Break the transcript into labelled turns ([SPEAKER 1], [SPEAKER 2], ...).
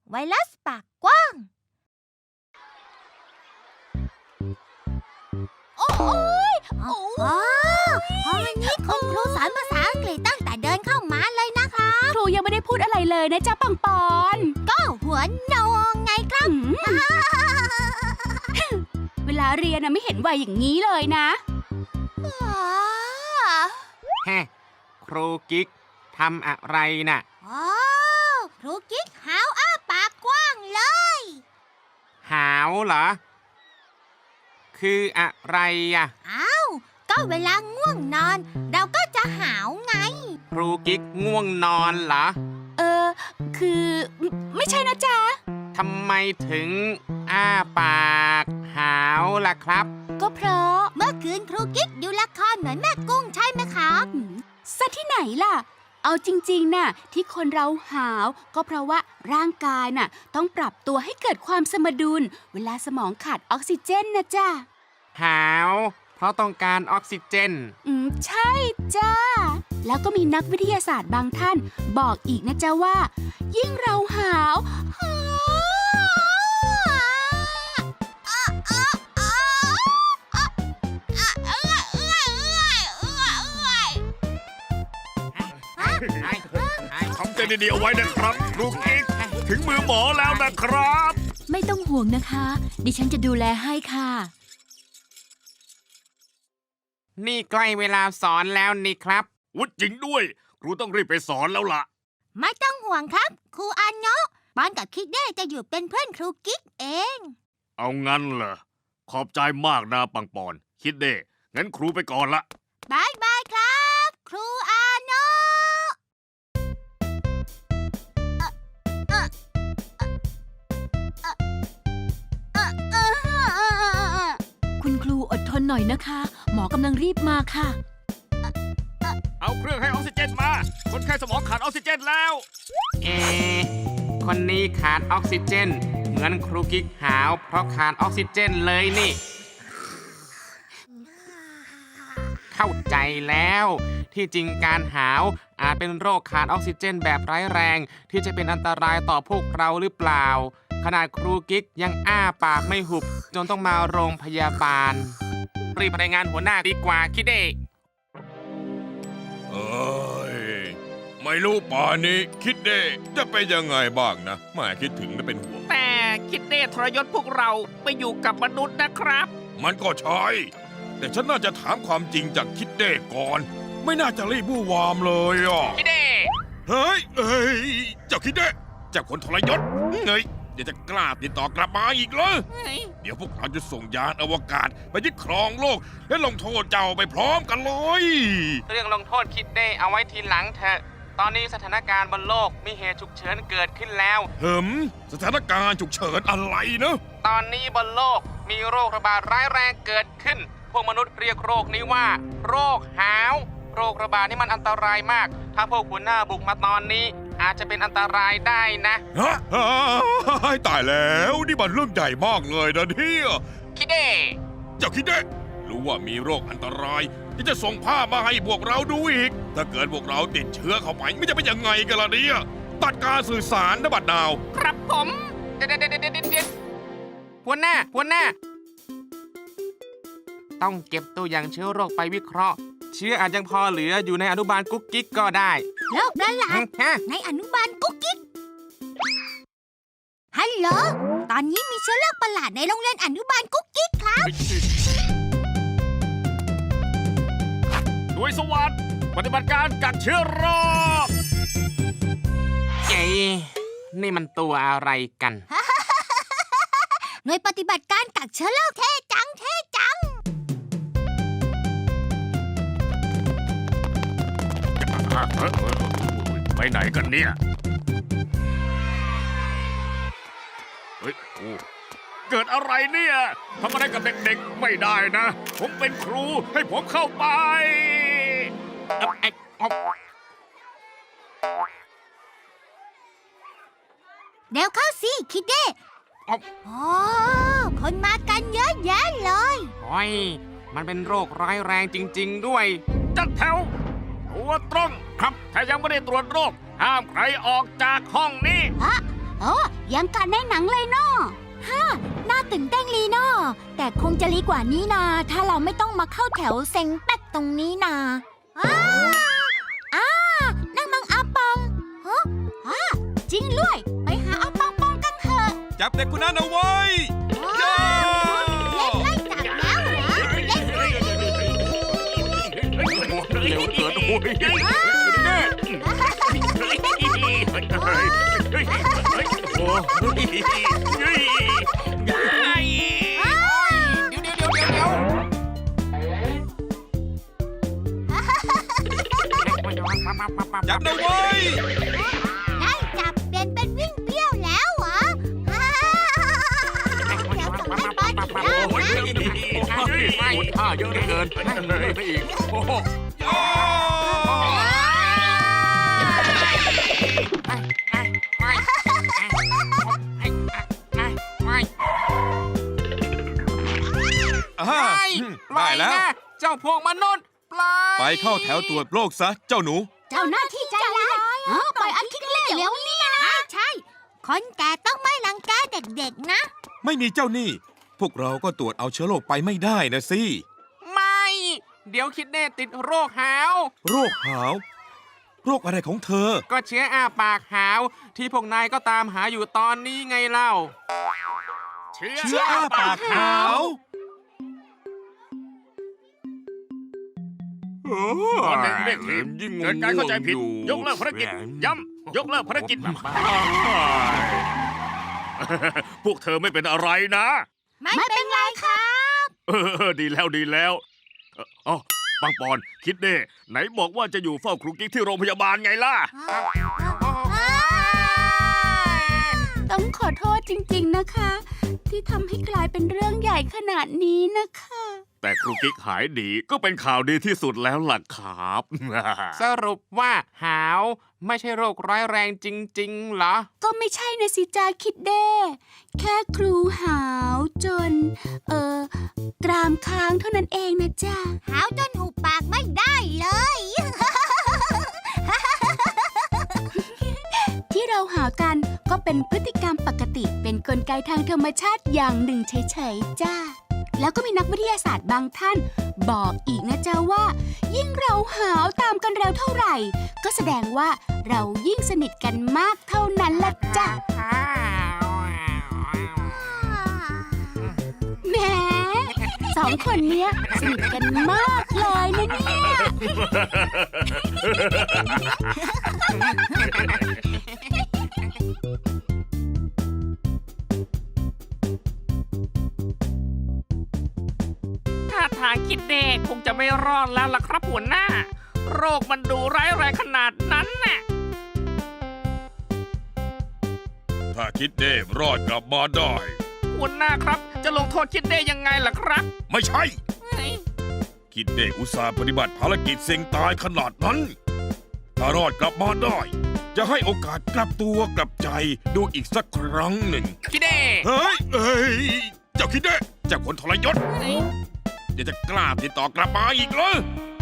[SPEAKER 1] ไวรัสปากกว้างโอ้ยวันนี้คุณครูสอนภาษาอังกฤษตั้งแต่เดินเข้ามาเลยนะคะ
[SPEAKER 2] ครูยังไม่ได้พูดอะไรเลยนะจ๊ะปังปอน
[SPEAKER 1] ก็หัวโนงไงครับ
[SPEAKER 2] เวลาเรียนไม่เห็นวัยอย่างนี้เลยนะ
[SPEAKER 3] แฮะครูกิ๊กทำอะไรน่ะ
[SPEAKER 1] ครูกิ๊กหาวอ้าปากกว้างเลย
[SPEAKER 3] หาวเหรอ คืออะไรอ่ะ
[SPEAKER 1] อ้าวก็เวลาง่วงนอน เราก็จะหาวไง
[SPEAKER 3] ครูกิ๊กง่วงนอนเหรอ
[SPEAKER 2] คือไม่ใช่นะจ๊ะ
[SPEAKER 3] ทำไมถึงอ้าปากหาวล่ะครับ
[SPEAKER 2] ก็เพราะ
[SPEAKER 1] เมื่อคืนครูกิ๊กดูละครเหมือนแม่กุ้งใช่ไหมครับ
[SPEAKER 2] ซะที่ไหนล่ะ เอาจริงๆน่ะที่คนเราหาวก็เพราะว่าร่างกายน่ะต้องปรับตัวให้เกิดความสมดุล เวลาสมองขาดออกซิเจนนะจ๊ะ
[SPEAKER 3] หาว เพราะต้องการออกซิเจน
[SPEAKER 2] ใช่จ้าแล้วก็มีนักวิทยาศาสตร์บางท่านบอกอีกนะจ๊ะว่า ยิ่งเราหาว
[SPEAKER 4] ทำใจดีๆเอาไว้นะครับครูกิ๊กถึงมือหมอแล้วนะครับ
[SPEAKER 2] ไม่ต้องห่วงนะคะ ดิฉันจะดูแลให้ค่ะ
[SPEAKER 3] นี่ใกล้เวลาสอนแล้วนี่ครับ
[SPEAKER 4] วุฒิจริงด้วยครูต้องรีบไปสอนแล้วล่ะ
[SPEAKER 1] ไม่ต้องห่วงครับ ครูอาโนะปอนกับคิดเด้จะอยู่เป็นเพื่อนครูกิ๊กเอง
[SPEAKER 4] เอางั้นเหรอขอบใจมากนะปังปอนคิดเด้งั้นครูไปก่อนละ
[SPEAKER 1] บายบายครับ ครูอาโนะ
[SPEAKER 2] คุณครูอดทนหน่อยนะคะ หมอกำลังรีบมาค่ะ
[SPEAKER 4] เอาเครื่องให้ออกซิเจนมาคนไข้สมองขาดออกซิเจนแล้ว
[SPEAKER 3] คนนี้ขาดออกซิเจน เหมือนครูกิ๊กหาวเพราะขาดออกซิเจนเลยนี่ เข้าใจแล้ว ที่จริงการหาวอาจเป็นโรคขาดออกซิเจนแบบร้ายแรง ที่จะเป็นอันตรายต่อพวกเราหรือเปล่า ขนาดครูกิ๊กยังอ้าปากไม่หุบ จนต้องมาโรงพยาบาล รีบรายงานหัวหน้าดีกว่าคิดเด้
[SPEAKER 4] เอ้ยไม่รู้ป่านนี้คิดเด้จะเป็นยังไงบ้างนะแม่คิดถึงและเป็นห่วง
[SPEAKER 3] แต่คิดเด้ทรยศพวกเราไปอยู่กับมนุษย์นะครับ
[SPEAKER 4] มันก็ใช่แต่ฉันน่าจะถามความจริงจากคิดเด้ก่อน ไม่น่าจะรีบบู้วามเลยอ่ะ
[SPEAKER 3] คิดเด้
[SPEAKER 4] เฮ้ยเจ้าคิดเด้เจ้าคนทรยศเฮ้ยเดี๋ยวจะกล้าติดต่อกลับมาอีกเหรอเดี๋ยวพวกเราจะส่งยานอวกาศไปยึดครองโลกและลงโทษเจ้าไปพร้อมกันเลย
[SPEAKER 3] เรื่องลงโทษคิดเด้เอาไว้ทีหลังเถอะ ตอนนี้สถานการณ์บนโลกมีเหตุฉุกเฉินเกิดขึ้นแล้ว
[SPEAKER 4] สถานการณ์ฉุกเฉินอะไรนะ
[SPEAKER 3] ตอนนี้บนโลกมีโรคระบาดร้ายแรงเกิดขึ้น พวกมนุษย์เรียกโรคนี้ว่า โรคหาว โรคระบาดนี่มันอันตรายมาก ถ้าพวกหัวหน้าบุกมาตอนนี้ อาจจะเป็นอันตรายได้นะ
[SPEAKER 4] ฮะตายแล้วนี่มันเรื่องใหญ่มากเลยนะเนี่ย
[SPEAKER 3] คิดเด้
[SPEAKER 4] เจ้าคิดได้รู้ว่ามีโรคอันตรายที่จะส่งภาพมาให้พวกเราดูอีก ถ้าเกิดพวกเราติดเชื้อเข้าไปไม่จะเป็นยังไงกันล่ะเนี่ยตัดการสื่อสารนะบัดดาว
[SPEAKER 3] ครับผมเดี๋ยวหัวหน้า ต้องเก็บตัวอย่างเชื้อโรคไปวิเคราะห์ เชื้ออาจยังพอเหลืออยู่ในอนุบาลกุ๊กกิ๊กก็ได้
[SPEAKER 1] โรคประหลาด
[SPEAKER 3] ฮะ
[SPEAKER 1] ในอนุบาลกุ๊กกิ๊ก ฮัลโหล ตอนนี้มีเชื้อโรคประหลาดในโรงเรียนอนุบาลกุ๊กกิ๊กครับ
[SPEAKER 4] หน่วยสวัสดิ์ปฏิบัติการกักเชื้อโรค
[SPEAKER 3] เอ๊ะนี่มันตัวอะไรกัน
[SPEAKER 1] หน่วยปฏิบัติการกักเชื้อโรคเท่จัง
[SPEAKER 4] ไปไหนกันเนี่ยเฮ้ยโอ้เกิดอะไรเนี่ยทำอะไรกับเด็กๆไม่ได้นะ ผมเป็นครูให้ผมเข้าไป
[SPEAKER 1] เดี๋ยวเข้าสิคิดเด้
[SPEAKER 3] อ๊อบ
[SPEAKER 1] โอ้คนมากันเยอะแยะเลย
[SPEAKER 3] โอ้ยมันเป็นโรคร้ายแรงจริง ๆ ด้วย
[SPEAKER 4] จัดแถวตัวตรงครับถ้ายังไม่ได้ตรวจโรคห้ามใครออกจากห้องนี้
[SPEAKER 1] โอ้
[SPEAKER 2] ยังกันในหนังเลยเนาะ
[SPEAKER 1] น่าตื่นเต้นลีเนาะแต่คงจะลีกว่านี้นะถ้าเราไม่ต้องมาเข้าแถวเซ็งแป๊กตรงนี้นะนั่งมังอาปอง
[SPEAKER 2] จริงด้วย ไปหาเอาปองปองกันเถอะ
[SPEAKER 4] จับเด็กคนนั้นเอาไว้
[SPEAKER 1] จับแล้วเหรอ
[SPEAKER 3] เร็วเกินโอ้ย
[SPEAKER 4] จับเอาไว้
[SPEAKER 1] ได้จับเปลี่ยนเป็นวิ่งเปรี้ยวแล้วเหรอเดี๋ยวส่งให้บอลอีกรอบนะ
[SPEAKER 3] ท่าเยอะเหลือเกินไปอีกโอ้โห
[SPEAKER 4] ได้แล้ว
[SPEAKER 3] เจ้าพวกมนุษย์ปลาย
[SPEAKER 4] ไปเข้าแถวตรวจโรคซะเจ้าหนู
[SPEAKER 2] เจ้าหน้าที่ใจร้ายปล่อยอันคิดเล่เร็วนี่นะ
[SPEAKER 1] ใช่ คนแก่ต้องไม่รังแกเด็กๆนะ
[SPEAKER 4] ไม่มีเจ้าหนี้พวกเราก็ตรวจเอาเชื้อโรคไปไม่ได้นะสิ
[SPEAKER 3] ไม่ เดี๋ยวคิดเน่ติดโรคหาว
[SPEAKER 4] โรคหาว โรคอะไรของเธอ
[SPEAKER 3] ก็เชื้ออ้าปากหาว ที่พวกนายก็ตามหาอยู่ตอนนี้ไงเล่า
[SPEAKER 4] เชื้ออ้าปากหาว
[SPEAKER 5] ตอนเด็กๆทีมเกิดการเข้าใจผิด ยกเลิกภารกิจ ย้ำ ยกเลิกภารกิจ พวกเธอไม่เป็นอะไรนะ
[SPEAKER 1] ไม่เป็นไรครับ
[SPEAKER 5] ดีแล้วดีแล้วอ๋อปังปอนคิดเด้ไหนบอกว่าจะอยู่เฝ้าครูกิ๊กที่โรงพยาบาลไงล่ะ
[SPEAKER 2] ต้องขอโทษจริงๆนะคะ ที่ทำให้กลายเป็นเรื่องใหญ่ขนาดนี้นะคะ
[SPEAKER 5] แต่ครูกิ๊กหายดีก็เป็นข่าวดีที่สุดแล้วล่ะครับ
[SPEAKER 3] สรุปว่าหาวไม่ใช่โรคร้ายแรงจริงๆเหรอ
[SPEAKER 2] ก็ไม่ใช่นะสิจาคิดเด้แค่ครูหาวจน กรามค้างเท่านั้นเองนะจ๊ะ
[SPEAKER 1] หาวจนหุบปากไม่ได้เลย
[SPEAKER 2] ที่เราหาวกันก็เป็นพฤติกรรมปกติเป็นกลไกทางธรรมชาติอย่างหนึ่งเฉยๆจ้าแล้วก็มีนักวิทยาศาสตร์บางท่าน บอกอีกนะจ๊ะว่า ยิ่งเราหาวตามกันเร็วเท่าไหร่ ก็แสดงว่าเรายิ่งสนิทกันมากเท่านั้นละจ้ะแหมสองคนเนี้ยสนิทกันมากเลยนะเนี่ย
[SPEAKER 6] ท่าทางคิดเด็กคงจะไม่รอดแล้วล่ะครับหัวหน้า โรคมันดูร้ายแรงขนาดนั้นน่ะ
[SPEAKER 4] ถ้าคิดเด้รอดกลับมาได้
[SPEAKER 6] หัวหน้าครับ จะลงโทษคิดเด้ยังไงล่ะครับ
[SPEAKER 4] ไม่ใช่ คิดเด้อุตส่าห์ปฏิบัติภารกิจเสี่ยงตายขนาดนั้น ถ้ารอดกลับมาได้ จะให้โอกาสกลับตัวกลับใจดูอีกสักครั้งหนึ่ง
[SPEAKER 3] คิดเน่
[SPEAKER 4] เฮ้ย เจ้าคิดเด้เจ้าคนทรยศเดี๋ยวจะกล้าติดต่อกลับมาอีกเหรอ